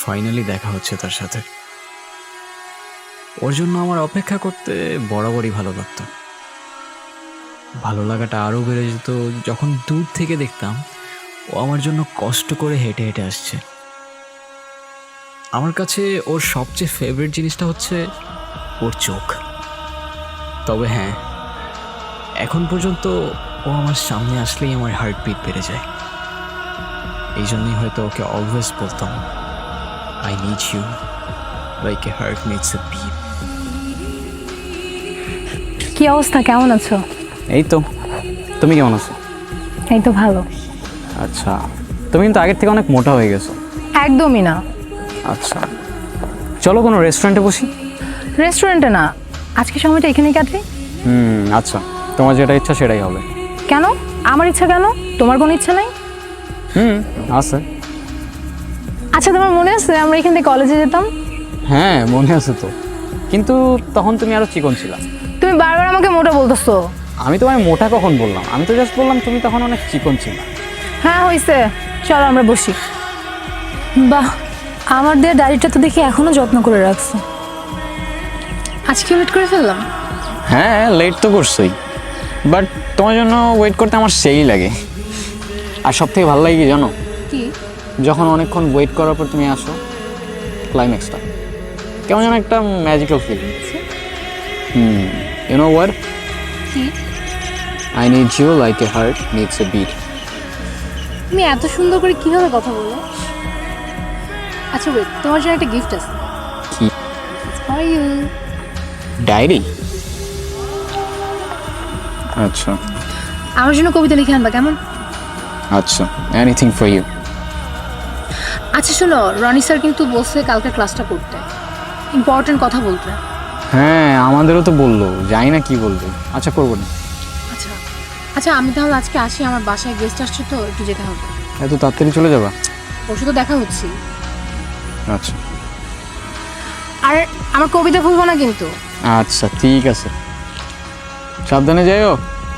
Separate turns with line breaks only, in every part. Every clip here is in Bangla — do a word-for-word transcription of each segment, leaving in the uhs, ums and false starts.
ফাইনালি দেখা হচ্ছে তার সাথে। ওর জন্য আমার অপেক্ষা করতে বরাবরই ভালো লাগতো। ভালো লাগাটা আরও বেড়ে যেত যখন দূর থেকে দেখতাম ও আমার জন্য কষ্ট করে হেঁটে হেঁটে আসছে। আমার কাছে ওর সবচেয়ে ফেভারিট জিনিসটা হচ্ছে ওর চোখ। তবে হ্যাঁ, এখন পর্যন্ত ও আমার সামনে আসলেই আমার হার্টবিট বেড়ে যায়। এই জন্যই হয়তো ওকে অলওয়েজ বলতাম, I need you like a heart needs a beat.
কি অবস্থা, কেমন আছো?
এই তো, তুমি কেমন আছো?
এই তো ভালো।
আচ্ছা, তুমি কিন্তু আগের থেকে অনেক মোটা হয়ে গেছো।
একদমই না।
আচ্ছা, চলো কোনো রেস্টুরেন্টে বসি।
রেস্টুরেন্টে না, আজকে সময়টা এখানেই কাটে।
হুম আচ্ছা, তোমার যেটা ইচ্ছা সেটাই হবে।
কেন? আমার ইচ্ছা কেন? তোমার কোনো ইচ্ছা নাই?
হুম আছে।
আচ্ছা, তোমার মনে আছে আমরা এখান থেকে কলেজে যেতাম?
হ্যাঁ মনে আছে তো, কিন্তু তখন তুমি আরো চিকন ছিলা।
তুমি বারবার আমাকে মোটা বলতেছো।
আমি তোমায় মোটা কখন বললাম? আমি তো জাস্ট বললাম তুমি তখন অনেক চিকন ছিলা।
হ্যাঁ হয়েছে, চলো আমরা বসি। বাহ, আমার দেওয়া ডায়েরিটা তো দেখি এখনো যত্ন করে রাখছে। আজকে ওয়েট করে ফেললাম।
হ্যাঁ লেট তো করছোই, বাট তোমার জন্য ওয়েট করতে আমার সেই লাগে। আর সব থেকে ভালো লাগে কি জানো?
কি?
যখন অনেকক্ষণ ওয়েট করার পর তুমি আসো, ক্লাইম্যাক্সটা কেমন যেন একটা magical feel. Hmm you know what,
কি?
I need you like a heart needs a beat.
তুমি এত সুন্দর করে কিভাবে কথা বলো? আচ্ছা ওয়েট, তোমার জন্য একটা গিফট আছে।
কি?
For you.
ডায়েরি? আচ্ছা
আমার জন্য কবিতা লিখে আনবা, কেমন?
আচ্ছা, এনিথিং ফর ইউ।
আচ্ছা শোনো, রনি স্যার কিন্তু বলছে কালকে ক্লাসটা করতে, ইম্পর্টেন্ট কথা বলতে।
হ্যাঁ আমাদেরও তো বললো, জানি না কি বলবে। আচ্ছা করবো না।
আচ্ছা আচ্ছা, আমি তাহলে আজকে আসি, আমার বাসায় গেস্ট আসছে তো একটু যেতে হবে।
এত তাড়াতাড়ি চলে যাবা?
ওর সাথে দেখা হচ্ছে।
আচ্ছা
আর আমার কবিতা ভুলবো না কিন্তু।
আচ্ছা ঠিক আছে, সাবধানে যাইও।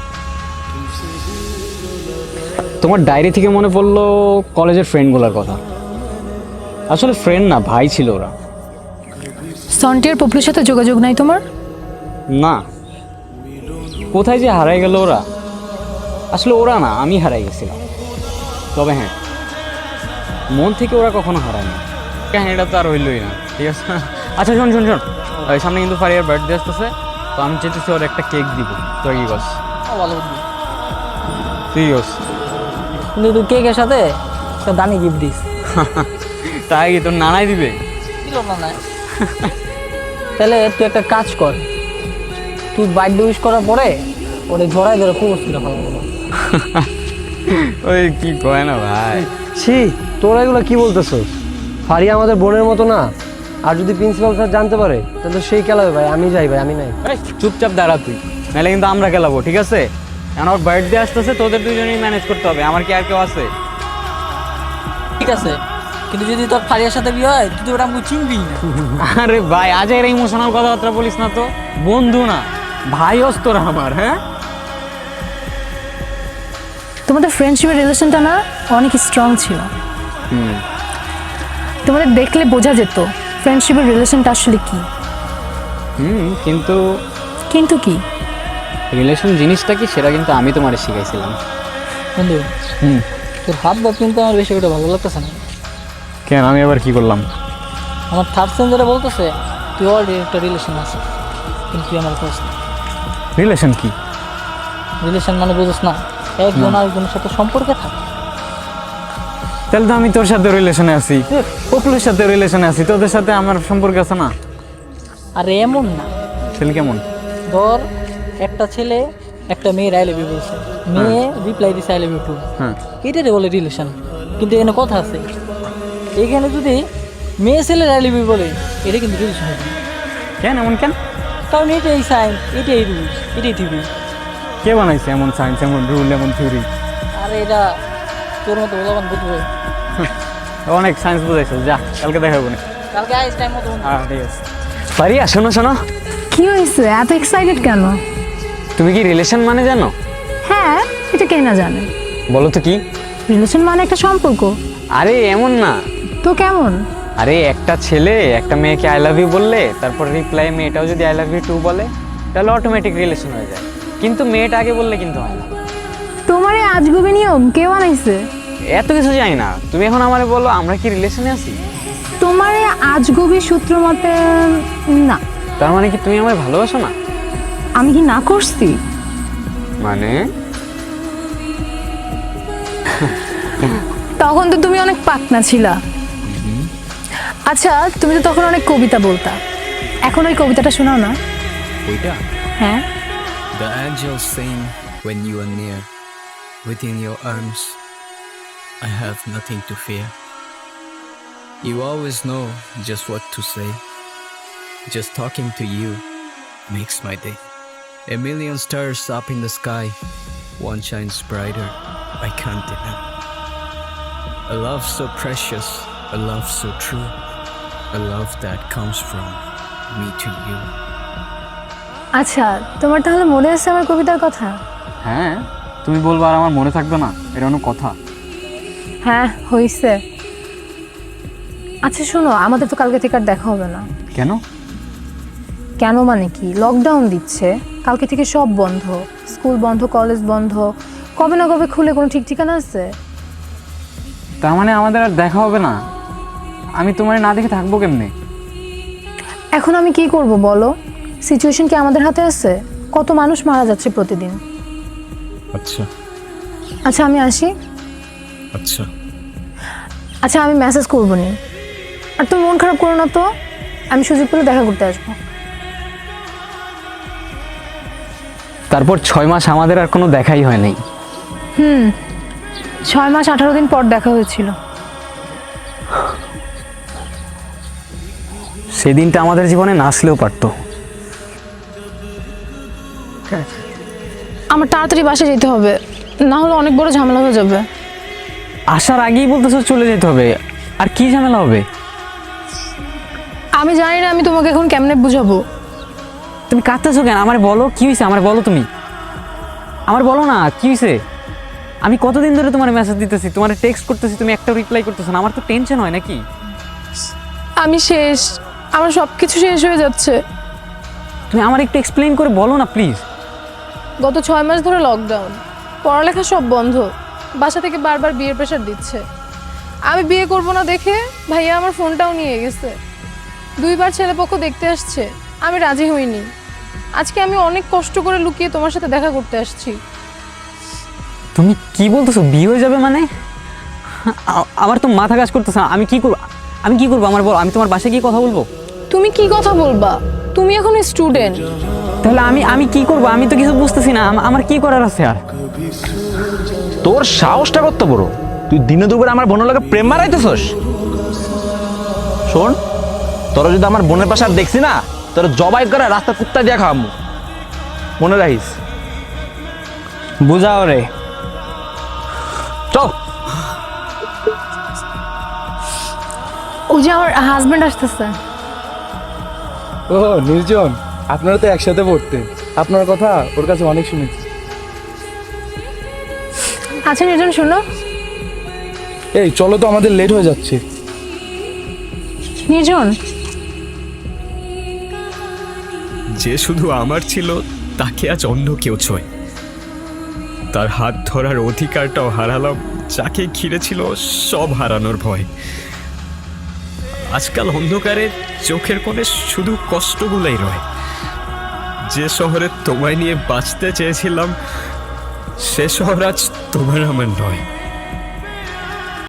তোমার ডায়েরি থেকে মনে পড়লো কলেজের ফ্রেন্ডগুলোর কথা। আসলে ফ্রেন্ড না, ভাই ছিল ওরা।
সন্টিয়ার পপুলের সাথে যোগাযোগ নাই তোমার?
না, কোথায় যে হারাই গেল ওরা। আসলে ওরা না, আমি হারাই গেছিলাম। তবে হ্যাঁ, মন থেকে ওরা কখনো হারায় না। কাহিনিটা তো আর হইলই না, ঠিক আছে। আচ্ছা শোন শোন শোন, ওই সামনে কিন্তু ফারিয়ার বার্থডে আসতেছে, তো আমি চেয়েছি ওর একটা কেক দিব। তোর কি বস?
ভালো
তুই বস।
কিন্তু তুই কেকের সাথে একটা দামি গিফট দিস।
তাই কি তোর নানাই দিবে?
দিল না না। তাহলে তুই একটা কাজ কর, তুই বার্থডে উইশ করার পরে ওরে জড়াই ধরে প্রপোজ করে ফেলবো।
ওই কি কয় না ভাই।
ছি, তোরা এগুলো কি বলতেছস? ফারিয়া আমাদের বোনের মতো না। আর যদি প্রিন্সিপাল স্যার জানতে পারে তাহলে সেই খেলাবে ভাই। আমি যাই ভাই, আমি নাই।
এই, চুপচাপ দাঁড়া তুই, নাহলে কিন্তু আমরা খেলাবো, ঠিক আছে? এখন ওর বার্থডে আসতেছে, তোদের দুজনেই ম্যানেজ করতে হবে। আমার কি আর কেউ আছে?
ঠিক আছে, কিন্তু যদি তোর ফারিয়ার সাথে বিয়ে হয় তুই তো ওটা আমাকে চিনবি না।
আরে ভাই, আজ এর ইমোশনাল কথাবার্তা বলিস না তো। বন্ধু না, ভাই হস তোরা আমার। হ্যাঁ
তোমাদের ফ্রেন্ডশিপের রিলেশনটা না অনেক স্ট্রং ছিল।
হুম
তোমাদের দেখলে বোঝা যেত ফ্রেন্ডশিপের রিলেশনটা আসলে কি।
হুম কিন্তু
কিন্তু কি?
রিলেশন জিনিসটা কি সেটা কিন্তু আমি তোমারে শিখাইছিলাম।
বন্ধু,
হুম
তোর হাত ভাব কিন্তু আমার বেশি ওটা ভালো লাগতেছে না।
কেন, আমি আবার কি করলাম?
আমার থার্ড সেঞ্জারে বলতেছে তুই অলরেডি একটা রিলেশন আছে, কিন্তু তুই আমার খোঁজ না।
রিলেশন কি?
রিলেশন মানে বুঝোস না, একজন আরেকজনের সাথে সম্পর্কে থাকে।
তাহলে তো আমি তোর সাথে রিলেশনে আছি, পপুলের সাথে রিলেশনে আছি, তোদের সাথে আমার সম্পর্ক আছে না?
আর এমন না,
ছেলে কেমন?
ধর একটা ছেলে একটা মেয়ের আই লাভ ইউ বলছে, মেয়ে রিপ্লাই দিছে আই লাভ ইউ টু,
হ্যাঁ
এটারে বলে রিলেশন। কিন্তু এখানে কথা আছে, এখানে যদি মেয়ে ছেলের আই লাভ ইউ বলে এটা কিন্তু রিলেশন হবে না।
কেন এমন কেন?
কারণ এটাই সাইন, এটাই রুল, এটাই থিওরি।
কে বানাইছে এমন সায়েন্স, এমন রুল, এমন থিওরি?
আর এটা তোর মতো বলবান বুঝবে।
অনেক সায়েন্স বুঝাইছো, যা কালকে দেখাবো না।
কালকে আইস টাইম মতো বন্ধু।
হ্যাঁ ঠিক আছে। পারিয়া শোনো শোনো,
কি হয়েছে, এত এক্সাইটেড কেন?
তুমি কি রিলেশন মানে জানো?
হ্যাঁ, এটা কে না জানে।
বলো তো কি?
রিলেশন মানে একটা সম্পর্ক।
আরে এমন না,
তো কেমন?
আরে একটা ছেলে একটা মেয়েকে আই লাভ ইউ বললে তারপর রিপ্লাই মেয়েটাও যদি আই লাভ ইউ টু বলে তাহলে অটোমেটিক রিলেশন হয়ে যায়, কিন্তু মেয়েটা আগে বললে কিন্তু হয় না।
তোমার এই আজগুবি নিয়ম কে বানাইছে?
এত কিছু জানি না, তুমি এখন আমারে বলো আমরা কি রিলেশনে আছি?
তোমার এই আজগুবি সূত্র মতে না।
তার মানে কি তুমি আমায় ভালোবাসো না?
আমি কি না করছি?
মানে
তখন তো তুমি অনেক পাকনা ছিলা। আচ্ছা, তুমি তো তখন অনেক কবিতা বলতা, এখন ওই কবিতাটা শোনাও না।
ওইটা
হ্যাঁ,
The angels sing when you are near. Within your arms, I have nothing to fear. You always know just what to say. Just talking to you makes my day. A million stars up in the sky, one shines brighter, I can't deny. A love so precious, a love so true, a love that comes from me to you.
আচ্ছা, তোমার তাহলে মনে আছে আমার কবিতার কথা?
হ্যাঁ, তুমি বলবো আর আমার মনে থাকবে না, এটা কোনো কথা?
হ্যাঁ, হইছে। আচ্ছা শোনো, আমাদের তো কালকে থেকে আর দেখা হবে না।
কেন?
কেন মানে কি, লকডাউন দিচ্ছে, কালকে থেকে সব বন্ধ, স্কুল বন্ধ, কলেজ বন্ধ, কবে না কবে খুলে কোনো ঠিক ঠিকানা আছে?
তার মানে আমাদের আর দেখা হবে না? আমি তোমার না দেখে থাকবো কেমনে?
এখন আমি কি করব বলো? সিচুয়েশন কি আমাদের হাতে আছে? কত মানুষ মারা যাচ্ছে প্রতিদিন।
আচ্ছা
আচ্ছা আমি আসি।
আচ্ছা
আচ্ছা আমি মেসেজ করবো নি, আর তুমি মন খারাপ করো না তো, আমি সুযোগ পেলে দেখা করতে আসবো।
তারপর ছয় মাস আমাদের আর কোনো দেখাই হয় নাই।
হুম, ছয় মাস আঠারো দিন পর দেখা হয়েছিল।
সেদিনটা আমাদের জীবনে না আসলেও পারতো।
আমার তাড়াতাড়ি বাসে যেতে হবে, না হলে অনেক বড় ঝামেলা হয়ে যাবে।
আসার আগেই বলতেছো চলে যেতে হবে, আর কি ঝামেলা হবে?
আমি জানি না আমি তোমাকে এখন কেমনে বুঝাবো।
তুমি কাঁদতেছো কেন? আমার বলো কি হয়েছে, আমার বলো, তুমি আমার বলো না কি হয়েছে। আমি কতদিন ধরে তোমার মেসেজ দিতেছি, তোমার টেক্সট করতেছি, তুমি একটা রিপ্লাই করতেছো না, আমার তো টেনশন হয় নাকি?
আমি শেষ, আমার সব কিছু শেষ হয়ে যাচ্ছে।
তুমি আমার একটু এক্সপ্লেইন করে বলো না প্লিজ।
গত ছয় মাস ধরে লকডাউন, পড়ালেখা সব বন্ধ, বাসা থেকে বারবার বিয়ের প্রেশার দিচ্ছে। আমি বিয়ে করব না দেখে ভাইয়া আমার ফোনটাও নিয়ে গেছে। দুইবার ছেলেপক্ষ দেখতে আসছে, আমি রাজি হইনি। আজকে আমি অনেক কষ্ট করে লুকিয়ে তোমার সাথে দেখা করতে আসছি।
তুমি কি বলতেছো? বিয়ে হয়ে যাবে মানে? আ- আমার তো মাথা কাজ করতেছে না। আমি কি করবো? আমি কি করবো আমার বল? আমি তোমার বাসায় গিয়ে কথা বলবো?
তুমি কি কথা বলবা? তুমি এখন স্টুডেন্ট।
তাহলে আমি আমি কি করবো? আমি তো কিছু বুঝতেছি না, আম- আমার কি করার আছে আর?
তোর সাহসটা কত বড়, তুই দিনে দুপুরে আমার বোনের লগে প্রেম মারাইতেছস? শোন, তোরা যদি আমার বোনের পাশে আর দেখছি না, তোর জবাই করে রাস্তা কুত্তা দিয়া খাওয়ামু, মনে রাখিস।
বুঝাও রে।
চল।
ওই যে আমার হাজবেন্ড আসতেছে।
ও নির্জন, আপনারা তো একসাথে পড়তেন, আপনার কথা ওর কাছে অনেক শুনেছি।
আচ্ছা নির্জন শোনো।
এই চলো তো, আমাদের লেট হয়ে যাচ্ছে।
নির্জন,
যে শুধু আমার ছিল তাকে আজ অন্য কেউ ছোঁয়। তার হাত ধরার অধিকারটাও হারালাম, যাকে ঘিরে ছিল সব হারানোর ভয়। আজকাল অন্ধকারে চোখের কোণে শুধু কষ্টগুলাই রয়। যে শহরে তোমায় নিয়ে বাঁচতে চেয়েছিলাম, সে শহর আজ তোমার আমার নয়।